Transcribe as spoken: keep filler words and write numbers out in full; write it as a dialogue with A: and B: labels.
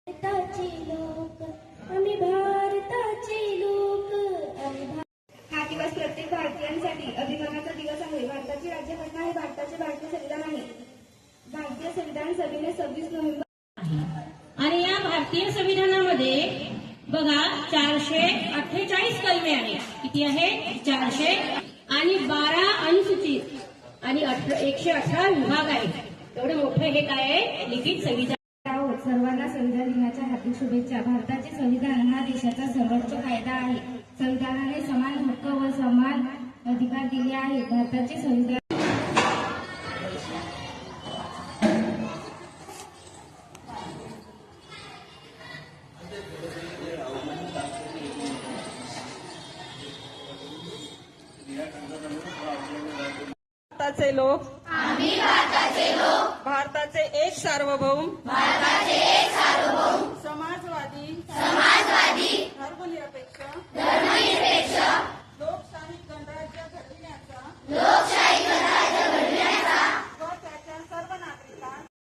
A: भारताचे लोक आम्ही भारताचे लोक आम्ही
B: हा दिवस प्रत्येक भारतीयांसाठी अभिमानाचा दिवस आहे. भारताची राज्यघटना हे भारताचे भारतीय संविधान आहे. भारतीय संविधान सभेने सव्वीस नोव्हेंबर
C: आणि या भारतीय संविधानामध्ये बघा चारशे अठ्ठेचाळीस कलमे आहेत. किती आहे? चारशे आणि बारा अनुसूचित आणि एकशे अठरा विभाग आहेत. एवढं मोठं हे काय आहे? लिखित संविधान.
B: सर्वांना संविधान दिनाच्या हार्दिक शुभेच्छा. भारताचे संविधान हा देशाचा सर्वोच्च कायदा आहे. संविधानाने समान हक्क व समान अधिकार दिले आहेत. भारताचे संविधान
D: भारताचे लोक आम्ही भारताचे लोक भारताचे एक सार्वभौम भारताचे एक सार्वभौम